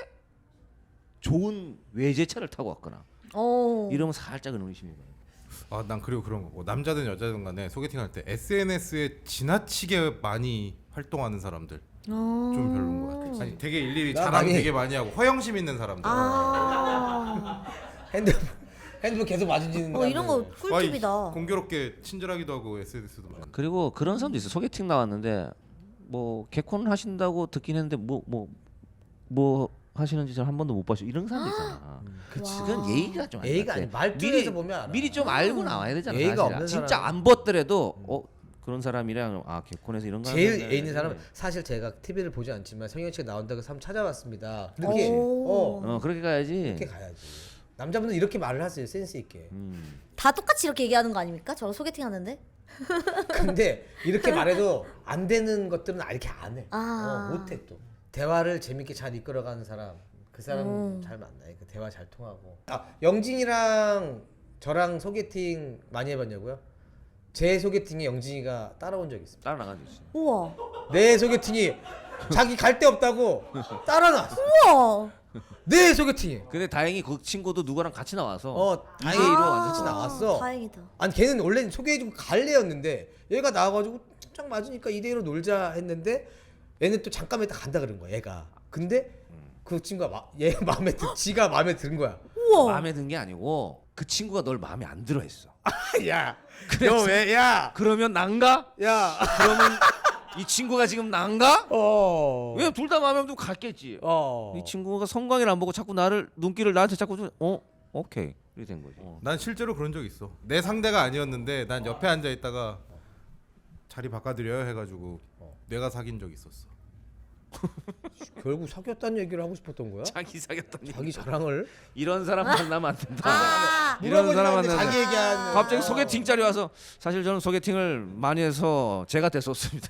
[SPEAKER 2] 좋은 외제차를 타고 왔거나
[SPEAKER 3] 어.
[SPEAKER 2] 이러면 살짝은 의심이 가요.
[SPEAKER 4] 아, 난 그리고 그런 거. 뭐 남자든 여자든 간에 소개팅할 때 SNS에 지나치게 많이 활동하는 사람들 좀 별로인 것 같아. 아니, 되게 일일이
[SPEAKER 1] 나
[SPEAKER 4] 자랑
[SPEAKER 1] 많이-
[SPEAKER 4] 되게 많이 하고 허영심 있는 사람들.
[SPEAKER 3] 아.
[SPEAKER 1] 핸드폰 계속 마주치는
[SPEAKER 3] 이런 거
[SPEAKER 1] 사람들.
[SPEAKER 3] 꿀팁이다.
[SPEAKER 4] 공교롭게 친절하기도 하고 SNS도 많이.
[SPEAKER 2] 그리고 그런 사람도 있어. 소개팅 나왔는데 뭐 개콘 하신다고 듣긴 했는데 뭐 하시는지 저 한 번도 못 봤어요. 이런 사람도 있잖아.
[SPEAKER 1] 그치.
[SPEAKER 2] 그건 예의가 좀 안
[SPEAKER 1] 예의가
[SPEAKER 2] 돼.
[SPEAKER 1] 아니 말투에서 보면 알아.
[SPEAKER 2] 미리 좀 알고 나와야 되잖아.
[SPEAKER 1] 예의가
[SPEAKER 2] 사실은.
[SPEAKER 1] 없는
[SPEAKER 2] 진짜
[SPEAKER 1] 사람.
[SPEAKER 2] 안 봤더라도 그런 사람이랑 개콘에서 이런 거
[SPEAKER 1] 제일
[SPEAKER 2] 하는데
[SPEAKER 1] 애 있는 사람은 사실 제가 TV를 보지 않지만 성현 씨가 나온다고 해서 한번 찾아봤습니다. 이렇게
[SPEAKER 3] 오.
[SPEAKER 2] 그렇게 가야지.
[SPEAKER 1] 이렇게 가야지. 남자분들 이렇게 말을 하세요. 센스 있게.
[SPEAKER 3] 다 똑같이 이렇게 얘기하는 거 아닙니까? 저 소개팅 하는데.
[SPEAKER 1] 근데 이렇게 말해도 안 되는 것들은 이렇게 안 해.
[SPEAKER 3] 아.
[SPEAKER 1] 못해 또. 대화를 재밌게 잘 이끌어가는 사람, 그 사람 잘 만나요. 그 대화 잘 통하고. 영진이랑 저랑 소개팅 많이 해봤냐고요? 제 소개팅에 영진이가 따라온 적 있습니다.
[SPEAKER 2] 따라 나가지.
[SPEAKER 3] 우와.
[SPEAKER 1] 내 소개팅이 자기 갈 데 없다고 따라놨어.
[SPEAKER 3] 우와.
[SPEAKER 1] 내 소개팅에.
[SPEAKER 2] 근데 다행히 그 친구도 누구랑 같이 나와서
[SPEAKER 1] 다행히
[SPEAKER 2] 2대2로 완전
[SPEAKER 1] 같이 나왔어.
[SPEAKER 3] 다행이다.
[SPEAKER 1] 아니 걔는 원래 소개해주고 갈래였는데 얘가 나와가지고 짝 맞으니까 2대1로 놀자 했는데 얘는 또 잠깐 있다 간다 그런 거야 얘가. 근데 그 친구가 얘 마음에 지가 마음에 든 거야.
[SPEAKER 3] 우와.
[SPEAKER 2] 마음에 든 게 아니고 그 친구가 널 마음에 안 들어 했어.
[SPEAKER 1] 야,
[SPEAKER 2] 그래서-
[SPEAKER 1] 너 왜? 야,
[SPEAKER 2] 그러면 난가?
[SPEAKER 1] 야,
[SPEAKER 2] 그러면 이 친구가 지금 난가? 왜 둘 다 마음에 안 들면 갔겠지. 이 친구가 성광이를 안 보고 자꾸 눈길을 나한테 자꾸 좀 오케이 이렇게 된 거지.
[SPEAKER 4] 난 실제로 그런 적 있어. 내 상대가 아니었는데 난 옆에 앉아 있다가 자리 바꿔드려요 해가지고 내가 사귄 적 있었어.
[SPEAKER 1] 결국 사귀었다는 얘기를 하고 싶었던 거야?
[SPEAKER 2] 자기 사귀었더니
[SPEAKER 1] 자기 자랑을?
[SPEAKER 2] 이런 사람 만나면 안 된다.
[SPEAKER 3] 아,
[SPEAKER 2] 이런 사람
[SPEAKER 1] 물어보지
[SPEAKER 2] 만나면
[SPEAKER 1] 자기 얘기하는.
[SPEAKER 2] 갑자기 소개팅 자리 와서 사실 저는 소개팅을 많이 해서 제가 됐었습니다.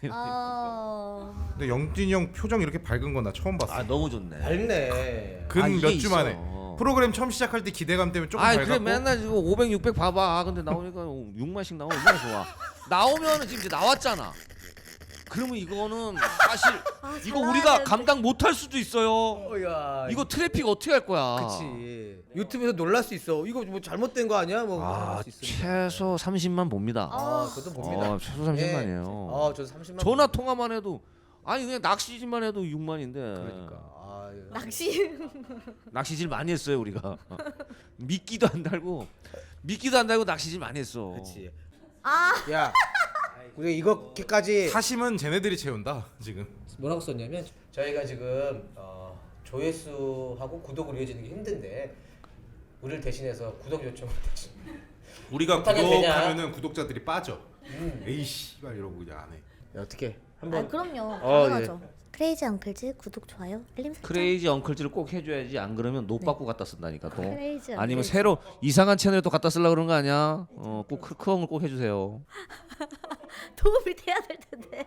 [SPEAKER 4] 근데 영진이 형 표정 이렇게 밝은 건 나 처음 봤어.
[SPEAKER 2] 아 너무 좋네.
[SPEAKER 1] 밝네.
[SPEAKER 2] 아,
[SPEAKER 4] 근
[SPEAKER 2] 이게
[SPEAKER 4] 몇 주
[SPEAKER 2] 있어.
[SPEAKER 4] 만에 프로그램 처음 시작할 때 기대감 때문에 조금
[SPEAKER 2] 아
[SPEAKER 4] 밝았고.
[SPEAKER 2] 그래 맨날 지금 500, 600 봐봐. 아, 근데 나오니까 6만씩 나오면 얼마나 좋아. 나오면은 지금 이제 나왔잖아. 그러면 이거는 사실 이거
[SPEAKER 3] 잘
[SPEAKER 2] 우리가
[SPEAKER 3] 나와야
[SPEAKER 2] 감당 못할 수도 있어요.
[SPEAKER 1] 야,
[SPEAKER 2] 이거 트래픽 어떻게 할 거야?
[SPEAKER 1] 그치. 유튜브에서 놀랄 수 있어. 이거 뭐 잘못된 거 아니야? 뭐
[SPEAKER 2] 아
[SPEAKER 1] 할 수 있으니까.
[SPEAKER 2] 최소 30만 봅니다.
[SPEAKER 1] 그것도 봅니다.
[SPEAKER 2] 최소 30만이에요.
[SPEAKER 1] 저 30만.
[SPEAKER 2] 전화 통화만 해도 아니 그냥 낚시질만 해도 6만인데.
[SPEAKER 1] 그러니까.
[SPEAKER 3] 낚시.
[SPEAKER 2] 낚시질 많이 했어요 우리가. 미끼도 안 달고 낚시질 많이 했어.
[SPEAKER 1] 그렇지.
[SPEAKER 3] 아,
[SPEAKER 1] 야, 우리 이거까지
[SPEAKER 4] 사심은 쟤네들이 채운다 지금.
[SPEAKER 1] 뭐라고 썼냐면 저희가 지금 조회수하고 구독을 이어지는 게 힘든데 우리를 대신해서 구독 요청을 대신.
[SPEAKER 4] 우리가
[SPEAKER 1] 못하게 되냐?
[SPEAKER 4] 구독하면은 구독자들이 빠져. 에이씨 말 이러고 그냥 안 해.
[SPEAKER 1] 야, 어떻게
[SPEAKER 3] 아
[SPEAKER 1] 한번
[SPEAKER 3] 그럼요.
[SPEAKER 1] 어,
[SPEAKER 3] 당연하죠. 크레이지 엉클즈 구독 좋아요 알림 설정.
[SPEAKER 2] 크레이지 엉클즈를 꼭 해줘야지 안 그러면 노 받고 갖다 쓴다니까 또.
[SPEAKER 3] 크레이지
[SPEAKER 2] 아니면
[SPEAKER 3] 엉클즈.
[SPEAKER 2] 새로 이상한 채널에 또 갖다 쓰려고 그런 거 아니야? 꼭 크크엉을 꼭 해주세요.
[SPEAKER 3] 도움이 돼야 될 텐데.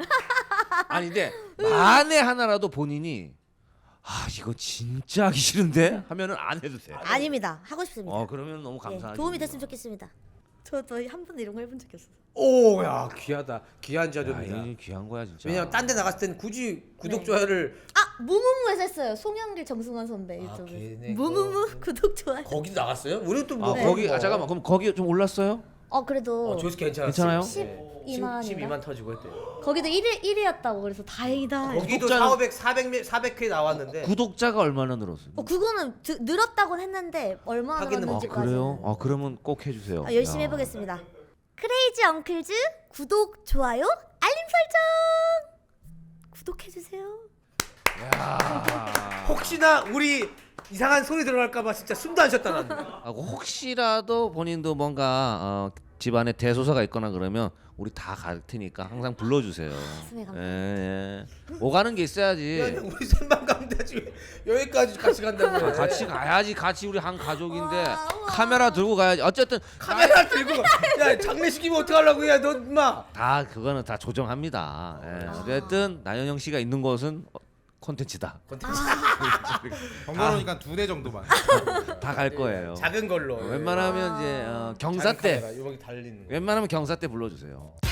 [SPEAKER 2] 아니 근데 만에 하나라도 본인이 아 이거 진짜 하기 싫은데 하면은 안 해도 돼.
[SPEAKER 3] 아닙니다. 하고 싶습니다.
[SPEAKER 2] 그러면 너무
[SPEAKER 3] 예,
[SPEAKER 2] 감사하죠.
[SPEAKER 3] 도움이 됐으면 좋겠습니다. 저도 한 번도 이런 거 해본 적이 없어요.
[SPEAKER 1] 오, 야, 귀하다. 귀한
[SPEAKER 2] 야,
[SPEAKER 1] 자료입니다.
[SPEAKER 2] 이거 귀한 거야 진짜.
[SPEAKER 1] 왜냐면 딴 데 나갔을 땐 굳이 구독
[SPEAKER 3] 네.
[SPEAKER 1] 좋아요를
[SPEAKER 3] 아 무무무에서 했어요. 송영길 정승환 선배
[SPEAKER 1] 아,
[SPEAKER 3] 유튜브.
[SPEAKER 1] 걔네
[SPEAKER 3] 무무무 구독 좋아요.
[SPEAKER 1] 거기도 나갔어요? 우리 또뭐
[SPEAKER 2] 거기 잠깐만 그럼 거기 좀 올랐어요?
[SPEAKER 3] 그래도
[SPEAKER 1] 조회수 괜찮았어요.
[SPEAKER 2] 괜찮아요?
[SPEAKER 3] 12만
[SPEAKER 1] 12만 터지고 했대요.
[SPEAKER 3] 거기도 1위였다고 그래서 다행이다.
[SPEAKER 1] 거기도
[SPEAKER 2] 구독자는-
[SPEAKER 1] 400회 나왔는데
[SPEAKER 2] 구독자가 얼마나 늘었어요?
[SPEAKER 3] 그거는 늘었다고는 했는데 얼마나
[SPEAKER 1] 하기는
[SPEAKER 3] 늘었는지까지는
[SPEAKER 2] 그래요? 그러면 꼭 해주세요.
[SPEAKER 3] 열심히
[SPEAKER 2] 야.
[SPEAKER 3] 해보겠습니다. 크레이지 엉클즈 구독 좋아요 알림 설정 구독해주세요.
[SPEAKER 1] 혹시나 우리 이상한 소리 들어갈까봐 진짜 숨도 안 쉬었다 나는.
[SPEAKER 2] 혹시라도 본인도 뭔가 집안에 대소사가 있거나 그러면 우리 다 갈 테니까 항상 불러주세요.
[SPEAKER 3] 가슴에 감사.
[SPEAKER 2] 예. 오가는 게 있어야지.
[SPEAKER 1] 야, 우리 셋만 가면 되지. 여기까지 같이 간다고 해.
[SPEAKER 2] 같이 가야지. 같이 우리 한 가족인데
[SPEAKER 3] 우와, 우와.
[SPEAKER 2] 카메라 들고 가야지. 어쨌든
[SPEAKER 1] 카메라 들고 야 장례식이면 어떡하려고 야 너 인마.
[SPEAKER 2] 다 그거는 다 조정합니다. 예. 어쨌든 나연영 씨가 있는 곳은 콘텐츠다.
[SPEAKER 4] 번거로우니까 2대 정도만.
[SPEAKER 2] 다 갈 거예요.
[SPEAKER 1] 작은 걸로.
[SPEAKER 2] 웬만하면 이제 경사 때
[SPEAKER 1] 요렇게 달리는 거.
[SPEAKER 2] 웬만하면 경사 때 불러주세요.